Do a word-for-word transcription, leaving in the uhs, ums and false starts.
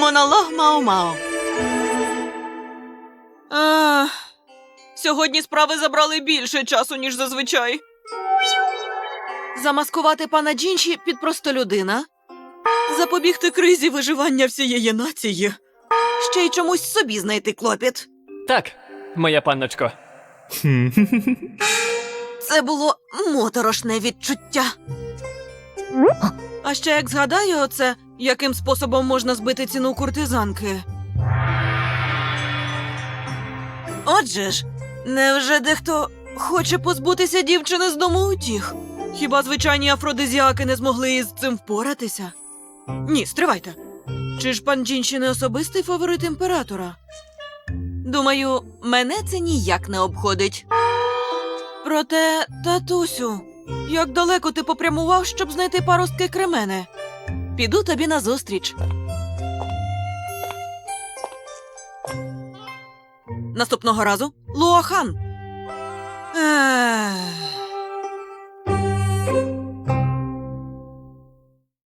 Монолог Мао-Мао. А, сьогодні справи забрали більше часу, ніж зазвичай. Замаскувати пана Джінші під простолюдина. Запобігти кризі виживання всієї нації. Ще й чомусь собі знайти клопіт. Так, моя панночко. Це було моторошне відчуття. А ще як згадаю оце, яким способом можна збити ціну куртизанки. Отже ж, невже дехто хоче позбутися дівчини з дому утіх? Хіба звичайні афродизіаки не змогли із цим впоратися? Ні, стривайте. Чи ж пан Джінші не особистий фаворит імператора? Думаю, мене це ніяк не обходить. Проте, татусю, як далеко ти попрямував, щоб знайти паростки кремени? Піду тобі назустріч. Наступного разу Луохан. Ех...